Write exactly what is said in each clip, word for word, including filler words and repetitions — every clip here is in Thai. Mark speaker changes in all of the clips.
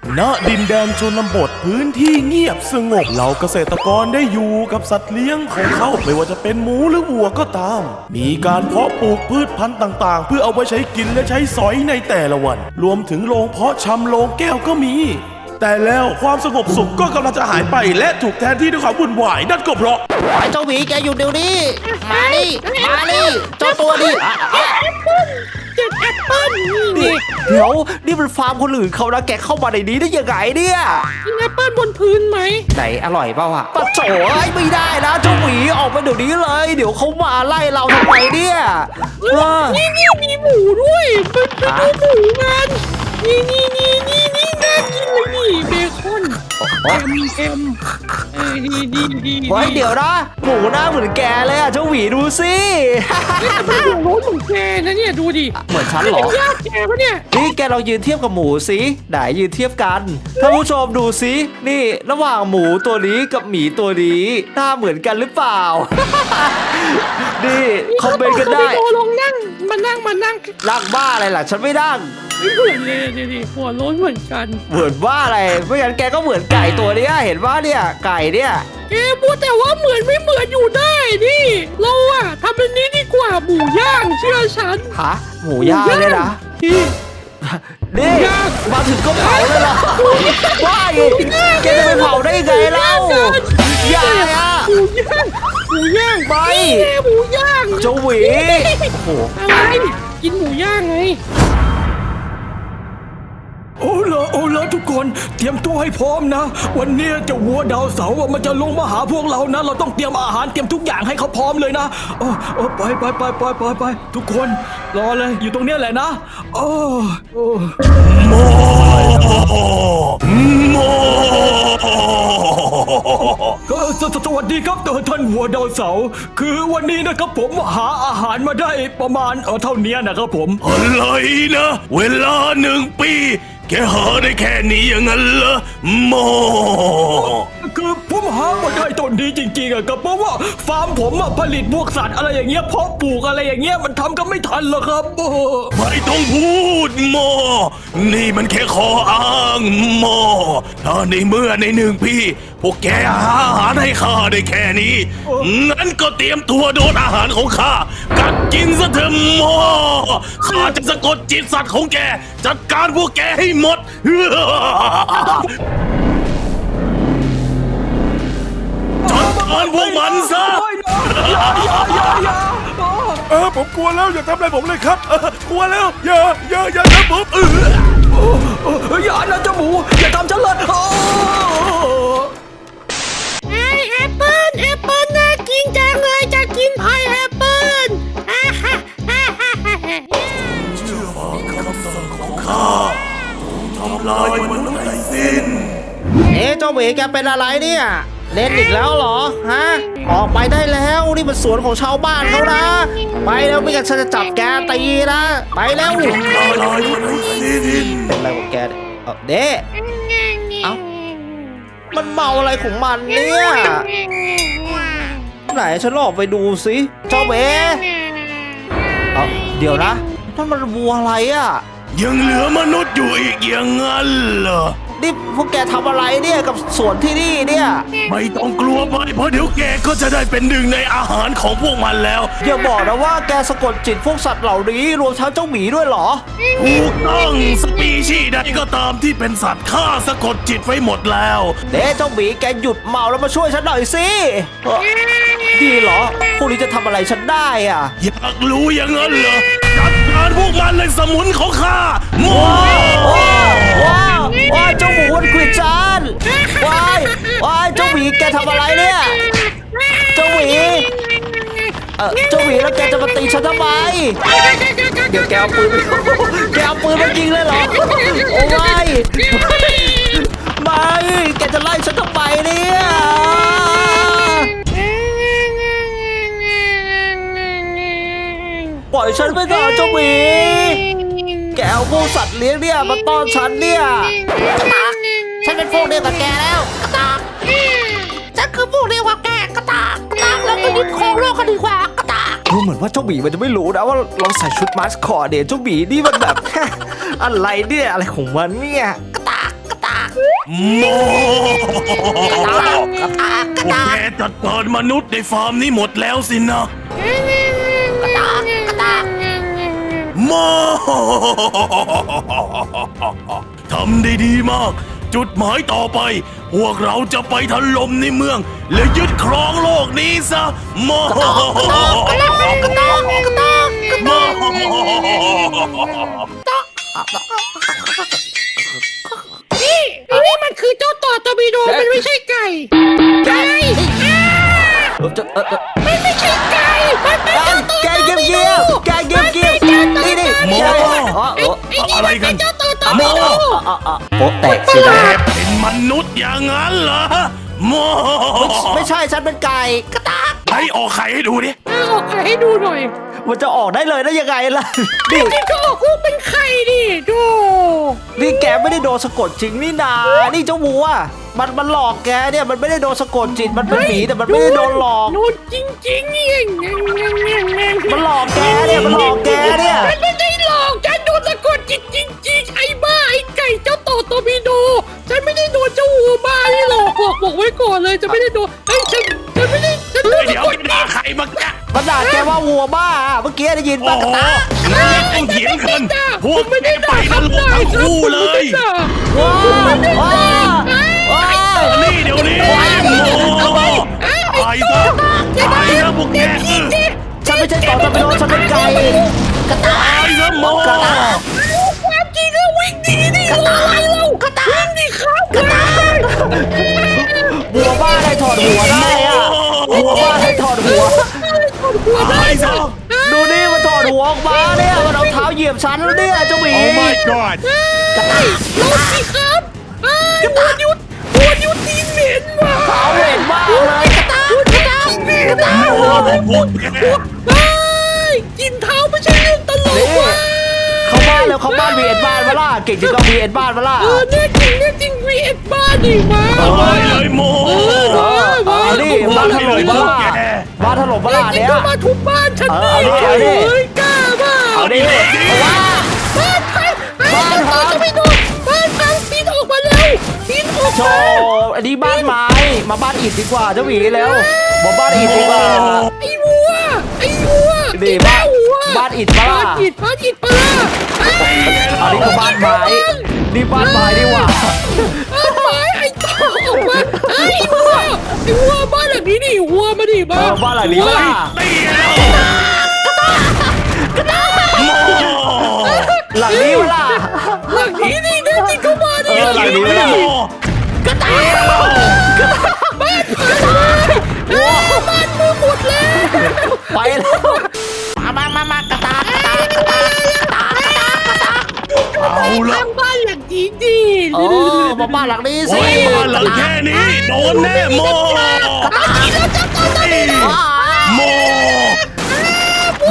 Speaker 1: ณดินแดนชนบทพื้นที่เงียบสงบเหล่าเกษตรกรได้อยู่กับสัตว์เลี้ยงของเขาไม่ว่าจะเป็นหมูหรือวัวก็ตามมีการเพาะปลูกพืชพันธุ์ต่างๆเพื่อเอาไว้ใช้กินและใช้สอยในแต่ละวันรวมถึงโรงเพาะชำโรงแก้วก็มีแต่แล้วความสงบสุขก็กำลังจะหายไปและถูกแทนที่ด้วยความวุ่นวายนั่นก็เพราะ
Speaker 2: ไอ้เจ้าหมีแกอยู่เดี๋ยวนี้มานี่มานี่เจ้าตัวนี้
Speaker 3: เจ็ดแอปเปิ้ลนี่
Speaker 2: เดี๋ยวนี่มันฟาร์มคนอื่นเขานะแกเข้ามาในนี้ได้ยังไงเนี่ย
Speaker 3: กินแอปเปิ้ลบนพื้นไหม
Speaker 2: ไหนอร่อยเปล่าอะปะโจ๋ไม่ได้นะเจ้าหมีออกไปเดี๋ยวนี้เลยเดี๋ยวเขามาไล่เราทำไมเนี่ย
Speaker 3: นี่นี่มีหมูด้วยไปดูหมูกันนี่นี่นี่นี่นี่น่ากินเลยนี่เบคอนเอ็มเอ็มเออดีดีดี
Speaker 2: ไว้เดี๋ยวนะหมูหน้าเหมือนแกเลยอะเจ้าหมีดูสิ
Speaker 3: แต่มันหัวโล้นเหมือนแกนะเนี่ยดูดิ
Speaker 2: เหมือนฉันเหรอ
Speaker 3: ญาติแกปะเนี่ย
Speaker 2: นี่แกเรายืนเทียบกับหมูสิไหนยืนเทียบกันท่านผู้ชมดูสินี่ระหว่างหมูตัวนี้กับหมีตัวนี้หน้าเหมือนกันหรือเปล่านี่คอมเมนต์กันได้
Speaker 3: ลงนั่งมานั่งมานั่ง
Speaker 2: นั่งบ้าอะไรล่ะฉันไม่นั่ง
Speaker 3: ไม่เหมือนเลยดิหัวโล้นเหมือนกัน
Speaker 2: เหมือนว่าอะไรไม่งั้นแกก็เหมือนไก่ตัวเนี้ยเห็นว่าเนี่ยไก่เนี่ย
Speaker 3: แกพูดแต่ว่าเหมือนไม่เหมือนอยู่ได้ดิเราอะทำเป็นนี้ดีกว่าหมูย่างเชื่อฉัน
Speaker 2: ฮะหมูย่างเลยนะนี่มาถึงก็เผาเลยเหรอว้ายแกจะไปเผาได้ไงเล่าย่างอะ
Speaker 3: หมูย่างหมูย่าง
Speaker 2: ไม่
Speaker 3: หมูย่าง
Speaker 2: เจ้าหวี
Speaker 3: โอ้อะไรกินหมูย่างไง
Speaker 1: โอ้ละโอ้ละทุกคนเตรียมตัวให้พร้อมนะวันนี้เจ้าวัวดาวเสาร์มันจะลงมาหาพวกเรานะเราต้องเตรียมอาหารเตรียมทุกอย่างให้เขาพร้อมเลยนะโอ้โอ้ไปไปไปไปไปไปทุกคนรอเลยอยู่ตรงนี้แหละนะโอ้โอ้โมโมก็สวัสดีครับท่านวัวดาวเสาร์คือวันนี้นะครับผมหาอาหารมาได้ประมาณเออเท่านี้นะครับผมอะไรนะเวลาหนึ่งปีแกหาได้แค่นี้อย่างนั้นเหรอโมคือผมหามาได้ต้นนี้จริงๆอะครับเพราะว่าฟาร์มผมอะผลิตพวกสัตว์อะไรอย่างเงี้ยเพาะปลูกอะไรอย่างเงี้ยมันทำก็ไม่ทันหรอกครับไม่ต้องพูดโมนี่มันแค่ขออ้างโมถ้าในเมื่อในหนึ่งพี่พวกแกหาอาหารให้ข้าได้แค่นี้งั้นก็เตรียมตัวโดนอาหารของข้ากัดกินซะเถอะโมข้าจะสะกดจิตสัตว์ของแกจัดการพวกแกให้หมดจัดการพวกมันซะเออผมกลัวแล้วอย่าทำอะไรผมเลยครับกลัวแล้วอย่าอย่าอย่าทำผมเอออย่านะเจ้าหมูอย่าทำฉันเลย
Speaker 3: ไอแอปเปิ้ลแอปเปิ้ลน่ากินจังเลยจะกินพายแอปเปิ้ล
Speaker 1: เชื่อฟังคำสั่งของข้าทำลายมนุษย์ให้สิ้น
Speaker 2: เอ๊ะเจ้าหมีแกเป็นอะไรเนี่ยเล่นอีกแล้วเหรอฮะออกไปได้แล้วนี่มันสวนของชาวบ้านเขานะไปแล้วไม่งั้นฉันจะจับแกตีนะไปแล้ว
Speaker 1: ทำลายมนุษย์ให้สิ้น
Speaker 2: เป็นอะไรของแกเออเด้เอ้ามันเมาอะไรของมันเนี่ยไหนฉันลองไปดูสิเจ้าหมีเอ้าเดี๋ยวนะนั่นมันวัวอะไรอ่ะ
Speaker 1: ยังเหลือมนุษย์อยู่อีกอย่างนั้นเหรอ
Speaker 2: นี่พวกแกทำอะไรเนี่ยกับสวนที่นี่เนี่ย
Speaker 1: ไม่ต้องกลัวไปเพราะเดี๋ยวแกก็จะได้เป็นหนึ่งในอาหารของพวกมันแล้ว
Speaker 2: อย่าบอกนะว่าแกสะกดจิตพวกสัตว์เหล่านี้รวมทั้งเจ้าหมีด้วยเหรอ
Speaker 1: ถูกต้องสปีชีส์ใดก็ตามที่เป็นสัตว์ข้าสะกดจิตไว้หมดแล้ว
Speaker 2: เด้เจ้าหมีแกหยุดเมาแล้วมาช่วยฉันหน่อยสิดีเหรอพวกนี้จะทำอะไรฉันได้อ่ะ
Speaker 1: อยากรู้อย่างนั้นเหรอจัดการพวกมันเลยสมุนของข้า
Speaker 2: ว้าวว้าวว้าวเจ้าหมูวันควิดจานว้ายว้ายเจ้าหมีแกทำอะไรเนี่ยเจ้าหมีเออเจ้าหมีแล้วแกจะมาตีฉันทำไมเดี๋ยวแกเอาปืนแกเอาปืนมายิงเลยเหรอโอ้ยไม่แกจะไล่ฉันทำไมเนี่ยปล่อยฉันไปเถอะเจ้าหมีแกเอาพวกสัตว์เลี้ยงเนี่ยมาต้อนฉันเนี่ยกระตากฉันเป็นพวกเดียวกับแกแล้วกระตากฉันคือพวกเดียวกับแกกระตากกระตากแล้วก็ยึดครองโลกกันดีกว่ากระตากดูเหมือนว่าเจ้าหมีมันจะไม่รู้นะว่าเราใส่ชุดมาสคอตเนี่ยเจ้าหมีนี่มันแบบอะไรเนี่ยอะไรของมันเนี่ยกระตากกระตาก
Speaker 1: โมพวกแกจัดการมนุษย์ในฟาร์มนี้หมดแล้วสินะโมทำได้ดีมาก จุดหมายต่อไป พวกเราจะไปถล่มในเมือง และยึดครองโลกนี้ซะโมโม
Speaker 3: นี่ไอ้นี่มันคือเจ้าต่อตอร์ปิโดมันไม่ใช่ไก่ไก่อ่า
Speaker 2: เออจะเออเออ
Speaker 3: มันไม่ใช่ไก่มันเป็นเจ้าต่อ
Speaker 2: แก
Speaker 3: ตอร์
Speaker 2: เงียบ
Speaker 3: ปิโด
Speaker 2: เงียบแกเงียบเงียบนี่นี่
Speaker 1: โม
Speaker 2: อ๋อเออ
Speaker 3: ไอ้นี่
Speaker 1: อะไร
Speaker 3: มัน
Speaker 1: กั
Speaker 3: เป็น นเจ้าต่อตอร์
Speaker 1: โม
Speaker 3: ปิโด
Speaker 2: อ๋ออ๋อโป๊ะแตกสิ
Speaker 1: แก
Speaker 2: นะ
Speaker 1: เป็นมนุษย์อย่างนั้นเหรอโม
Speaker 2: ไม่ใช่ฉันเป็นไก่กระตาก
Speaker 1: ไหนออกไข่ให้ดูดิ
Speaker 3: เอาออกไข่ให้ดูหน่อย
Speaker 2: มันจะออกได้เลยได้ยังไงล่ะนี่
Speaker 3: นี่ก็ออกลูกเป็นไข่ดิดู
Speaker 2: นี่แกไม่ได้โดนสะกดจริงนี่นานี่เจ้าวัวมันมันหลอกแกเนี่ยมันไม่ได้โดนสะกดจิตมันเป็นหมีแต่มันไม่ได้โดนหลอก
Speaker 3: โดนจริงๆนี่เองแง่งแง่งแง่งแง่ง
Speaker 2: มันหลอกแกเนี่ยมันหลอกแกเนี่ย
Speaker 3: ฉันไม่ได้หลอกฉันโดนสะกดจิตจริงๆไอ้บ้าไอ้ไก่เจ้าต่อตอร์ปิโดฉันไม่ได้โดนเจ้าวัวบ้านี่หลอกบอกบอกไว้ก่อนเลยจะไม่ได้โดนเอ้ยฉันฉันไม่ได้ฉันโดน
Speaker 1: เดี๋
Speaker 3: สะ
Speaker 1: ยว
Speaker 3: กด
Speaker 1: ไปด่าใครมาแกะ
Speaker 2: มันด่าแกว่าวัวบ้าเมื่อกี้ได้ยิน
Speaker 1: โอ้
Speaker 2: ป่ะกระ
Speaker 1: โห
Speaker 2: ตาก
Speaker 1: งั้นไม่ต้องเถียงกันพวก
Speaker 3: ไม่ได้
Speaker 1: ไป
Speaker 3: ด่าน
Speaker 1: รกทั้งคู่เลย
Speaker 2: ว้าวว้าวว้าว
Speaker 1: นี่เดี๋ยวนี้โอ้ตายซะตายซะพวกแก
Speaker 2: ฉันไม่ใช่ต่อตะปิโดฉันเป็นไก่กระตา
Speaker 1: ตายซะโม
Speaker 3: ความจริงแล้ววิ่งดีดิอะไรเราวิ่งดิครับกระต่าย
Speaker 2: วัวบ้าได้ถอดหัวได้อะวัวบ้าได้ถอดหัว
Speaker 1: ตายซะ
Speaker 2: ดูนี่มันถอดหัวออกมาเนี่ยมันเอาเท้าเหยียบฉันแล้วเนี่ยเจ้าหมี
Speaker 1: god
Speaker 3: กระต่ายเราสิครับกระต่ายยุดตัวยุดตีนเหม็นว่ะ
Speaker 2: เท้าเหม็นมากเลยกระตาก
Speaker 3: กระต่ายกระต่าย
Speaker 1: โอ้พวกแก
Speaker 3: เฮ้ยกินเท้าไม่ใช่เรื่องตลก
Speaker 2: นี่
Speaker 3: ว่ะ
Speaker 2: เข้าบ้านแล้วเข้าบ้านวีเอ็นบ้านมาล่ะเก่งจริงก็วีเอ็นบ้านมาล่ะ
Speaker 3: เออเนี่ยจริงเนี่ยจริงวีเอ็ดบ้านดิมา
Speaker 1: ตายเลยโม
Speaker 2: เออเอาดิบ้านถล่มมาล่ะบ้านถล่มมาล่ะ
Speaker 3: จริง
Speaker 2: เนี่ย
Speaker 3: ก็มาทุบบ้านฉัน
Speaker 2: เออเอาดิเอาดิ
Speaker 3: เฮ้ยกล้าบ้า
Speaker 2: เอาดิเอาว่า
Speaker 3: บ้านพัง
Speaker 2: บ้านพัง
Speaker 3: จะไม่โดนบ้านพังปีนออกมาเร็วปีนออก
Speaker 2: โช
Speaker 3: มา
Speaker 2: ว์อันนี้บ้านไม้มาบ้านอิฐดีกว่าเจ้าหมีแล้วบอกบ้านอิฐดีกว่า
Speaker 3: ไอ้วัวไอ้วัว
Speaker 2: นี่
Speaker 3: ไอ้
Speaker 2: บ้าน
Speaker 3: วัว
Speaker 2: บ้านอิฐปะล่ะ
Speaker 3: บ้านอิฐบ้านอิฐปะล่ะ
Speaker 2: อันนี้ก็บ้านไม้นี่บ้านไม้ดีกว่า
Speaker 3: บ้านไม้ไอ้ต่อออกมาไอ้วัวไอ้วัวบ้านหลังนี้ดิวัวมาดิ
Speaker 2: เอ
Speaker 3: บ้า
Speaker 2: อบ้านหลังนี้มาล่ะ
Speaker 1: ตีแล้วโม
Speaker 2: หลังนี้มาล่ะ
Speaker 3: หลังนี้ดิเดินติดเข้ามาดิ
Speaker 2: เออหลังนี้มาล่ะ
Speaker 3: กระต่ายบ้านพังเลยบ้านมือหมดแล้ว
Speaker 2: ไปแล้ว
Speaker 3: มามามากระตากกระตากกระตากกระตากกระตากกระตาก
Speaker 1: เอาละ
Speaker 3: ทางบ้านหลังนี้ดิ
Speaker 2: เออมาบ้านหลังนี้สิ
Speaker 1: โอ้ยบ้านหลังแค่นี้โดนแน่โม โม โม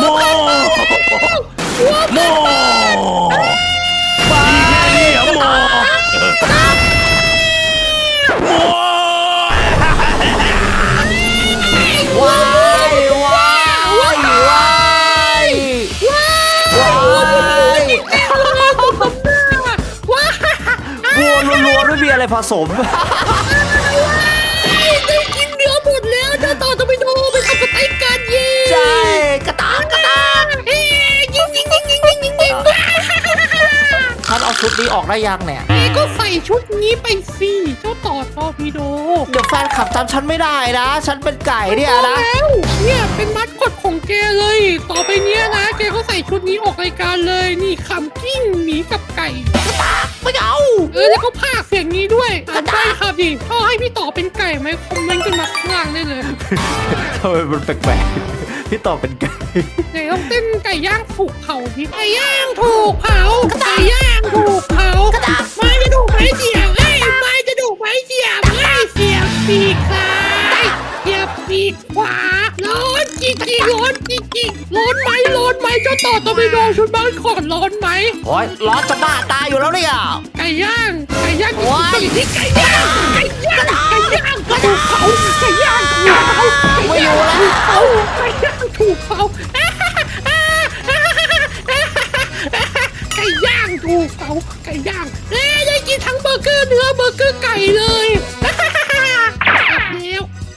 Speaker 1: โมบ้านี่อะโมโม
Speaker 2: ว้ายว้ายว้ายว้าย
Speaker 3: ว้า
Speaker 2: วัวล้วนๆไม่มีอะไรผสม
Speaker 3: ได้กินเนื้อหมดแล้วเจ้าต่อจะไปดูไปทำสเต็กกันยิง
Speaker 2: ใช่กระตากกระตาก
Speaker 3: ยิงยิงยิงยิงยิงยิงยิง
Speaker 2: ท่านเอาชุดนี้ออกได้ยังเนี่ย
Speaker 3: แกก็ใส่ชุดนี้ไปสิเจ้าต่อตอร์ปิโด
Speaker 2: เดี๋ยวแฟนขับจำฉันไม่ได้นะ ฉันเป็นไก่เนี่ยนะ
Speaker 3: แล้วเนี่ยเป็นมัดกดของแกเลย ต่อไปเนี้ยนะ แกก็ใส่ชุดนี้ออกรายการเลย นี่ขำกิ้งหมีกับไก่
Speaker 2: ไม่เอา
Speaker 3: เออแล้วก็พากย์เสียงนี้ด้วยอ่านได้ครับดิชอบให้พี่ต่อเป็นไก่ไหมคอมเมนต์กันมาข้างล่างได้เลย
Speaker 2: ทำไมมันแปลกๆพี่ต่อเป็นไก่
Speaker 3: ไหนต้องเต้นไก่ย่างถูกเผาดิไก่ย่างถูกเผาไก่ย่างถูกเผาไม้จะดูกไม้เสียบเอ้ยไม้จะดูกไม้เสียบเอ้ยเสียบปีกซ้ายเสียบปีกขวาร้อนจริงจริงร้อนจริงจริงร้อนไหมร้อนไหมเจ้าต่อตอร์ปิโดชุดบ้านขอดร้อนไหม
Speaker 2: โอ้ยร้อนจะบ้าตายอยู่แล้วเนี่ย
Speaker 3: ไก่ย่างไก่ย่าง
Speaker 2: ว้าย
Speaker 3: ที่ไก่